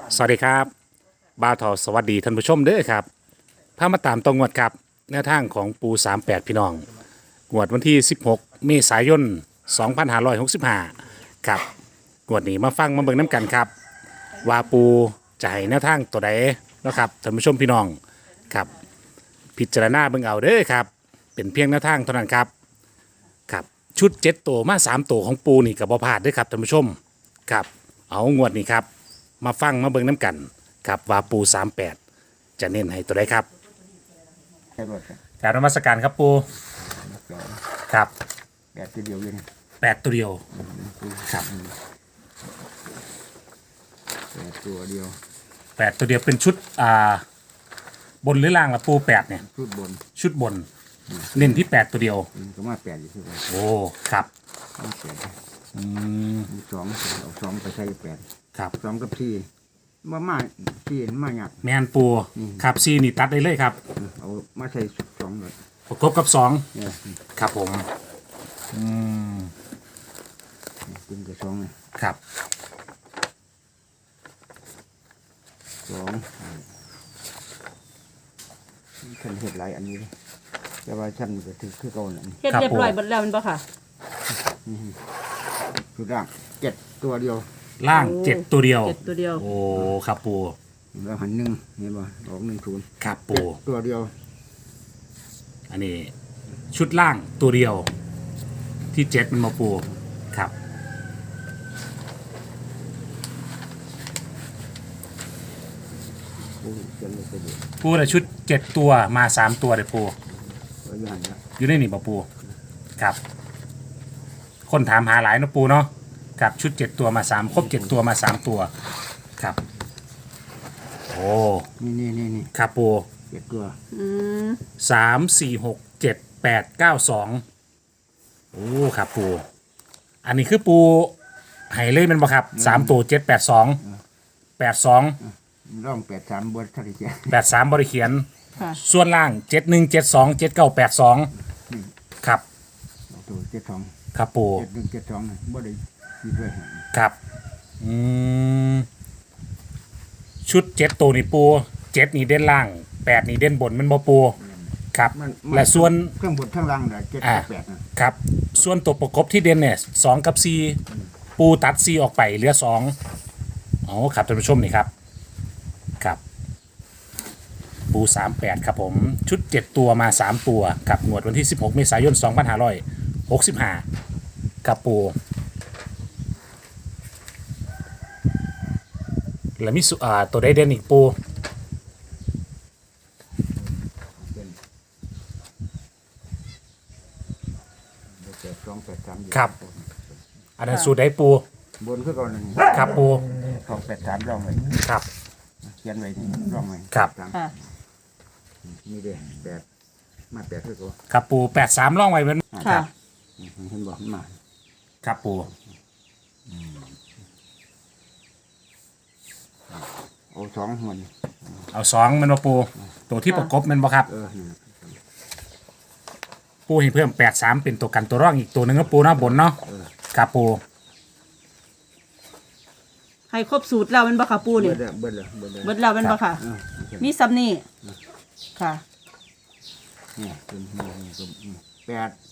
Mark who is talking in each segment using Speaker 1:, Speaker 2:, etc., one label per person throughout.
Speaker 1: สวัสดีครับบ่าวทอสวัสดีท่านผู้ชมเด้อครับพามาตามตรงงวดครับแนวทางของปู38พี่น้องงวดวันที่16เมษายน2565ครับงวดนี้มาฟังมาเบิ่งน้ำกันครับว่าปูจะให้แนวทางตัวใดเนาะครับท่านผู้ชมพี่น้องครับพิจารณาเบิ่งเอาเด้อครับเป็นเพียงแนวทางเท่านั้นครับครับชุด7ตัวมา3ตัวของปูนี่ก็บ่พลาดเด้อครับท่านผู้ชมครับเอางวดนี้ครับมาฟังมาเบิ่งน้ำกันครับว่าปู38จะเน้นให้ตัวใดครับ
Speaker 2: ใช่รถครับ
Speaker 1: กรารนมัสการครับปูครับ
Speaker 2: แบบทีเดียวเลยนะ
Speaker 1: 8ตัวเดียวครับ
Speaker 2: แบบตัวเดียว
Speaker 1: 8ตัวเดียวเป็นชุดบนหรือล่างละปู8เนี่ย
Speaker 2: ชุดบน
Speaker 1: ชุดบนเน้นที่8ตัวเดียว
Speaker 2: ก็มาแปดอยู่ที่ไหน
Speaker 1: โอ้ครับ
Speaker 2: มาแปด
Speaker 1: อืม
Speaker 2: มีสองเอาสองไปใช้แปด
Speaker 1: ครับ
Speaker 2: สองกับสี่มาสี่มาหยัก
Speaker 1: แมนปูครับซีนี่ตัดได้เลยครับ
Speaker 2: เอามาใช้สองเลย
Speaker 1: ประกบกับ2
Speaker 2: เนี่ย
Speaker 1: ครับผมอืม
Speaker 2: เป็นกับสองเลย
Speaker 1: ครับ
Speaker 2: สองฉันเห็ดหลายอันนี้เลยแต่ว่าฉันก็ถือคือเก่านั่น
Speaker 3: เฮ็ดเรียบร้อยหมดแล้วแมันบ่ค่ะ
Speaker 2: ชุดร่างเจ็ดตัวเดียว
Speaker 1: ล่าง7ตัวเดียว
Speaker 3: เจ็ดตัวเดียว
Speaker 1: โอ้ครับปู
Speaker 2: แล้วหันหนึ่งเห็นป่ะออก10
Speaker 1: ครับปู
Speaker 2: ตัวเดียว
Speaker 1: อันนี้ชุดล่างตัวเดียว ที่7มันมาปูครับ
Speaker 2: โอ้ยเจ็ดเลยตัวเดียว
Speaker 1: ปูแต่ชุด7ตัวมา3ตัวเลยปู
Speaker 2: ตัวอยู่หันละ
Speaker 1: อยู่ในนี่ป่ะปูครับ คนถามหาหลายเนาะปูเนาะกับชุด7ตัวมา3ครบ7ตัวมา3ตัวครับโอ้
Speaker 2: นี่
Speaker 1: ครับปู
Speaker 2: เจ็ดตัว
Speaker 3: อืม
Speaker 1: 3 4 6 7 8 9 2โอ้ครับปูอันนี้คือปูไห้เลยแมันบ่ครับ3ตัว7 8 2 8 2
Speaker 2: ร่อง83บนทัศน์เจ้า
Speaker 1: 8 3บริเขียน
Speaker 3: ค่ะ
Speaker 1: ส่วนล่าง7 1 7 2 7 9 8 2ครับ
Speaker 2: ตัว72
Speaker 1: ครับปู
Speaker 2: 7172น่ะบ่ได้มีด้วย
Speaker 1: ครับอืมชุด7ตัวนี่ปู7นี่เด่นล่าง8นี่เด่นบนมันบ่ปูครับ และส่วน
Speaker 2: เครื่องบนข้างล่างน่ะ7กับ8น่ะ
Speaker 1: ครับส่วนตัวประกบที่เด่นเนี่ย2กับ4ปูตัด4ออกไปเหลือ2อ๋อครับท่านผู้ชมนี่ครับครับปู38ครับผมชุด7ตัวมา3ตัวกับงวดวันที่16เมษายน2565กับปูแล้วมีตัวได้เด่นอีกปู
Speaker 2: เป็น8283อยู่
Speaker 1: ครับ อันนั้นสูตรได้ปู
Speaker 2: บนคือก่อนนั่น
Speaker 1: ครับปู
Speaker 2: 283ร่องไว้
Speaker 1: ครับ
Speaker 2: เขียนไว้นี่ร่องไว้
Speaker 1: ครับ
Speaker 2: สาม
Speaker 3: ค่ะ
Speaker 2: นี่เด้8มา8คือตัว
Speaker 1: ครับปู83ล่องไว้เป็น
Speaker 3: ค่ะ
Speaker 2: เห็นบ่มันมา
Speaker 1: ครับปู
Speaker 2: เอา2หัวนี่
Speaker 1: เอา2มันมาปูตัวที่ประกบแมันบ่ครับ
Speaker 2: นี่
Speaker 1: ปูให้เพิ่ม83เป็นตัวกันตัวร่องอีกตัวหนึงก็ปูเนาะบนเนาะครับปู
Speaker 3: ให้ครบสูตรแล้วแมันบ่ค่ะปูนี่
Speaker 2: เบิดแล้วเบิดแล้ว
Speaker 3: เบิดแล้วแมันบ่ค่ะ
Speaker 2: เออโอเค
Speaker 3: มีซ้ำนี่ค่ะ
Speaker 2: นี่เป็นนี่ก็8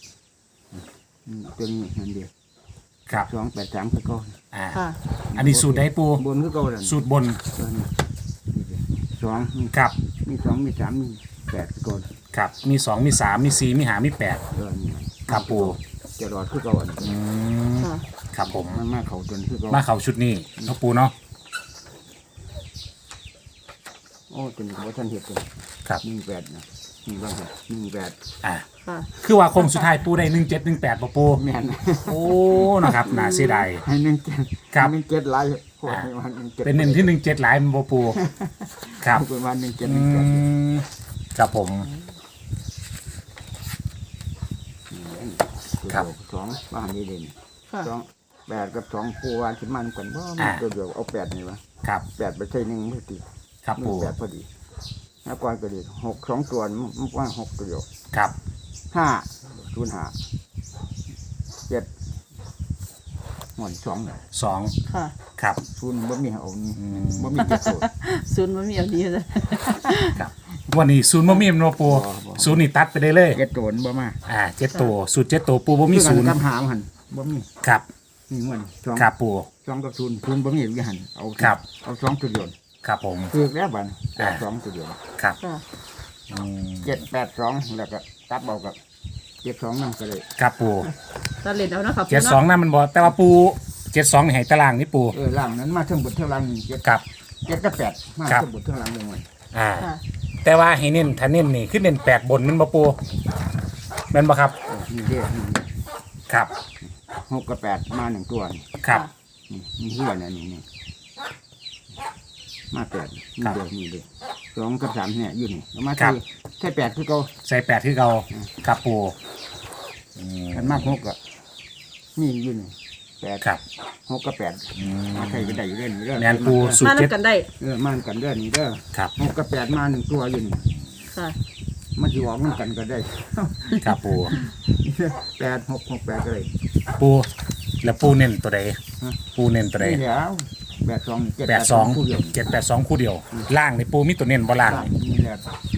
Speaker 2: เป็นนั่นเดียว
Speaker 1: ครับ
Speaker 2: 283คือเก่า
Speaker 1: อ่า
Speaker 3: ค่ะ
Speaker 1: อันนี้สูตรได้ปู
Speaker 2: บนคือเก่านั่น
Speaker 1: สูตรบน
Speaker 2: สองมี
Speaker 1: ครับ
Speaker 2: มี2มี3มี8คือเก่า
Speaker 1: ครับมี2มี3มี4มี5มี8
Speaker 2: นี่
Speaker 1: ครับปู
Speaker 2: จะรอดคือเก่าอัน
Speaker 1: อืม
Speaker 3: ค่ะ
Speaker 1: ครับผม
Speaker 2: มันมาเข้าจนคือเก่า
Speaker 1: มาเข้าชุดนี้เนาะปูเนาะ
Speaker 2: โอ้จนบ่ทันเฮ็ดเลย
Speaker 1: ครับ
Speaker 2: 18นะนี่ว่า18
Speaker 1: อ่า
Speaker 3: ค่ะ
Speaker 1: คือว่าโคงสุดท้ายปูได้1718บ่ปู
Speaker 2: แม่น
Speaker 1: โอ้นะครับน่าเสียดาย
Speaker 2: ให้17
Speaker 1: ครับ
Speaker 2: 17หลายโคตรให้วัน17
Speaker 1: เป็นหนึ่งที่17หลายมันบ่ปูครับ
Speaker 2: เป็นวัน17
Speaker 1: อืมครับผม ครับ
Speaker 2: สองว่าอันนี้เด่น
Speaker 3: ค่ะ
Speaker 2: 8กับ2ปูว่าสิมันกันบ่มันตัวเดียวเอา8นี่วะ
Speaker 1: ครับ
Speaker 2: 8ไปใส่1มือติ
Speaker 1: ครับ
Speaker 2: มื
Speaker 1: ปู
Speaker 2: อ8พอดีแล้วก่อนก็ดี6 2ตัวมันว่า6ตัวเดียว
Speaker 1: ครับ
Speaker 2: 5 0 5 7 หมอนสอง
Speaker 1: สอง
Speaker 3: ค่ะ
Speaker 1: ครับ
Speaker 2: ศูนย์บ่มีเอานี่บ่มีเจ็ดตัว
Speaker 3: ศูนย์มันมีเอานี้เลย
Speaker 1: ครับวันนี้ศูนย์บ่มีแม่นบ่ปู
Speaker 2: บ่
Speaker 1: ศูนย์นี่ตัดไปได้เลย
Speaker 2: เจ็ดตัวมันบ่มา
Speaker 1: เจ็ดตัวสูตรเจ็ดตัวปูบ่มีศูนย์
Speaker 2: กับหามหันบ่มี
Speaker 1: ครับ
Speaker 2: นี่มันสอง
Speaker 1: ครับปู
Speaker 2: สองกับศูนย์บ่มีอยู่หันเอา
Speaker 1: ครับ
Speaker 2: เอาสองตัวเดียว
Speaker 1: ครับผม
Speaker 2: คือแล้วบัด
Speaker 1: อ่า
Speaker 2: สองตัวเดียว
Speaker 1: ครับ
Speaker 3: ค่ะ
Speaker 1: อืม
Speaker 2: 782แล้วก็ตัดเบากับ72นั่นก็เลย
Speaker 1: ครับปู
Speaker 3: ตัดเลนเอานะคะปู
Speaker 1: เจ็ดสองนั่นมันบ่แต่ว่าปูเจ็ดสองนี่ให้ตารางนี่ปู
Speaker 2: ล่างนั้นมาเทั้งบนเทั้งล่างนี่
Speaker 1: ครับ
Speaker 2: 7กับ8มา
Speaker 1: ครับ
Speaker 2: เทั้งบนเทั้งล่างเลยมัน
Speaker 3: ค่ะ
Speaker 1: แต่ว่าให้เน้นถ้าเน้นนี่คือเน้นแปดบนแมันบ่ปูแม่นบ่ครับ
Speaker 2: นี่เด้อนี่
Speaker 1: ครับ
Speaker 2: 6กับ8มาหนึ่งตัวนี่
Speaker 1: ครับ
Speaker 2: นี่เฮียน่ะนี่มา8นี่เด้อนี่เด้อ2กับ3เนี่ยอยู่นี่เอามา
Speaker 1: ครับ
Speaker 2: ใช่8คือเก่า
Speaker 1: ใส่แปดคือเก่าครับปูอืม
Speaker 2: อันมาก6ก็นี่อยู่นี่8
Speaker 1: ครับ
Speaker 2: 6กับ8มาใครก็ได้อยู่เด้อนี่เด้อ
Speaker 1: แม่นปูสูต
Speaker 3: มาร
Speaker 1: เจ็ด
Speaker 3: นำกันได้
Speaker 2: มากันเด้อนี่เด้อ
Speaker 1: ครับ
Speaker 2: 6กับ8มาหนึ่งตัวอยู่นี่
Speaker 3: ค่ะ
Speaker 2: มันสิออกนำกันก็ได้
Speaker 1: ครับปู
Speaker 2: 8 6 6 8ก็ได้
Speaker 1: ปูแล้วปูเน้นตัวใด
Speaker 2: ฮะ
Speaker 1: ปูเน้นตัวใด
Speaker 2: นี่แล้ว82 7
Speaker 1: แปดสอง
Speaker 2: คู่เดียว
Speaker 1: 782คู่เดียวล่างนี่ปูมีตัวเน้นบ่ล่าง
Speaker 2: นี่แหละ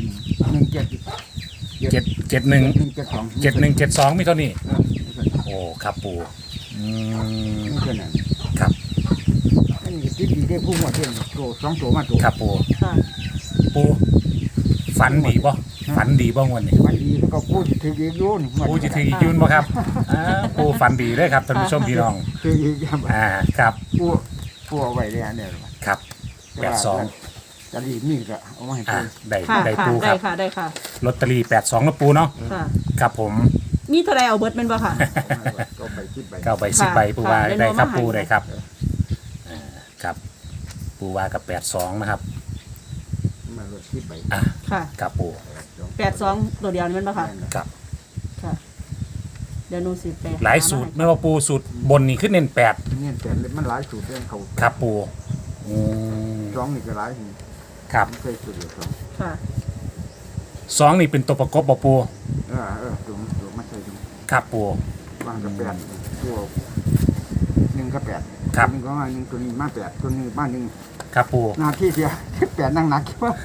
Speaker 2: 17
Speaker 1: เจ็ดเจ็ดหนึ่ง
Speaker 2: 172
Speaker 1: 7172มีเท่านี้โอ้ครับปูอืม
Speaker 2: นี่เท่านั้น
Speaker 1: ครับ
Speaker 2: อันนี้ติดดีได้ผู้หมดเด้อโต2ตัวมาตัว
Speaker 1: ครับปู
Speaker 3: ค่ะ
Speaker 1: ปูฝันดีบ่ฝันดีบ่งวันนี้
Speaker 2: มันดีก็ผู้สิถืออีกอยู่นี่
Speaker 1: ปูจะถืออีกยืนบ่ครับปูฝันดีเลยครับท่านผู้ชมพี่น้อง
Speaker 2: ถืออีกครับ
Speaker 1: ครับ
Speaker 2: ผู้เอาไว้เลยอันเนี่ย
Speaker 1: ครับ82
Speaker 2: จะรีบนี่ก็เอามาให้
Speaker 1: อ่า
Speaker 2: ปู
Speaker 1: ได้
Speaker 3: ค่ะ
Speaker 1: ได้
Speaker 3: ค่ะ
Speaker 1: ปูค
Speaker 3: ได้
Speaker 1: รับ
Speaker 3: ค่ะได้ค่ะ
Speaker 1: ลอตเตอรี่82นะปูเนาะ
Speaker 3: ค่ะ
Speaker 1: ครับผม
Speaker 3: มีเท่าไรเอาเบิร์ดเป็นบ่ค่ะ
Speaker 2: ก็ไปคิดไป
Speaker 1: เก้าใบ10ใบปูว่า
Speaker 3: ค่ะ
Speaker 1: ได้ครับ
Speaker 3: ได้
Speaker 1: ปู
Speaker 3: มาให้
Speaker 1: ได้ครับครับปูว่ากับ82นะครับ
Speaker 2: มาลดคิดไป
Speaker 3: ค่ะ
Speaker 1: ครับปู
Speaker 3: 82ตัวเดียวนี่มันบ่ค่ะ
Speaker 1: ครับ
Speaker 3: ค่ะ เดี๋ยวหนูสิไป
Speaker 1: หลายสูตรไม่ว่าปูสูตรบนนี่ขึ้นเน้น8
Speaker 2: เนี่ยแต่มันหลายสูตรเรื่องเขา
Speaker 1: ครับปูอืม
Speaker 2: สองนี่ก็หลายนี่
Speaker 1: ครับ
Speaker 2: ไม่เคยสูตรเดียวสอง
Speaker 3: ค่ะ
Speaker 1: 2นี่เป็นตัวประกบบ่ปู
Speaker 2: ตัวมาใช่ดู
Speaker 1: ครับปู
Speaker 2: วางกับแปดตัว1กับ8
Speaker 1: ครับ
Speaker 2: หนึ่งก็มา1ตัวนี้มา8ตัวนี้มา1
Speaker 1: ครับปู
Speaker 2: หน้าที่เสีย8นั่งหนักคิดว่า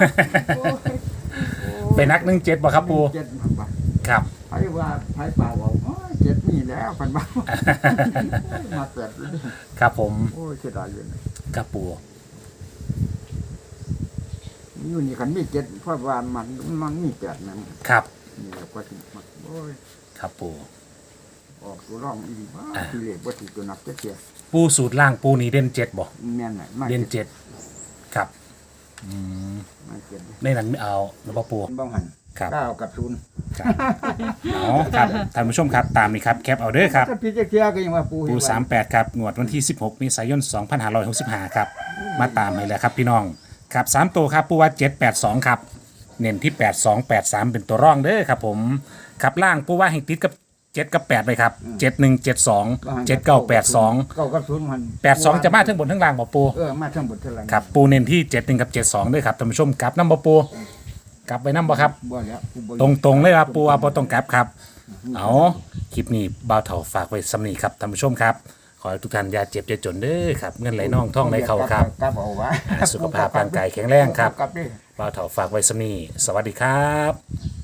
Speaker 1: เป็นนัก17บ่ครับปู
Speaker 2: 7
Speaker 1: ครับ
Speaker 2: ไผว่าไผเปล่าเอา7นี่แล้วพันบ้ามา8เลย
Speaker 1: ครับผม
Speaker 2: โอ้ยเสียดายอยู่
Speaker 1: ครับปู
Speaker 2: อยู่นี่คันมี7เพราะว่ามันมี8นั่น
Speaker 1: ครับ
Speaker 2: นี่แหละก็สิมักโอ้ย
Speaker 1: ครับปู
Speaker 2: ออกตัวร่องอีกว่าทีเลขบ่สิตัวนับเสีย
Speaker 1: ปูสูตรล่างปูนี่เด่น7บ่
Speaker 2: แม่นน่ะมา
Speaker 1: เด่น7ครับอืม
Speaker 2: มาเจ็ด
Speaker 1: ในนั้นไม่เอาหรือเปล่าปู
Speaker 2: บ้องหัน
Speaker 1: ครับ
Speaker 2: 9กับ0
Speaker 1: ครับอ๋อครับท่านผู้ชมครับตามนี้ครับแคปเอาเด้อครับ
Speaker 2: ถ้าพี่เจียก็ยังว่าปู
Speaker 1: ปู38ครับงวดวันที่16เมษายน2565ครับมาตามให้แล้วครับพี่น้องครับ3ตัวครับปูว่า782ครับเน้นที่8283เป็นตัวร่องเด้อครับผมครับล่างปูว่าให้ติดกับ7กับ8เลยครับ7172 7982
Speaker 2: 9กับ0มัน
Speaker 1: 82จะมาทั้งบนทั้งล่างบ่ปู
Speaker 2: มาทั้งหมดเท่าไหร่
Speaker 1: ครับปูเน้นที่71กับ72ด้วยครับท่านผู้ชมกลับน้ำบ่ปูกลับไปน้ำบ่ครับ
Speaker 2: บ่แล้วปูบ่
Speaker 1: ตรงๆเลยครับปูว่าบ่ต้องกลับครับเอาคลิปนี้บ่าวเฒ่าฝากไว้สำนีครับท่านผู้ชมครับขอให้ทุกท่านอย่าเจ็บอย่าจนเด้อครับเงินไหลน่องท่องไหลเข้าครับ
Speaker 2: กลับเอาไว้
Speaker 1: สุขภาพร่างกายแข็งแรงครับ
Speaker 2: กลับดิ
Speaker 1: บ่าวเฒ่าฝากไว้สำนีสวัสดีครับ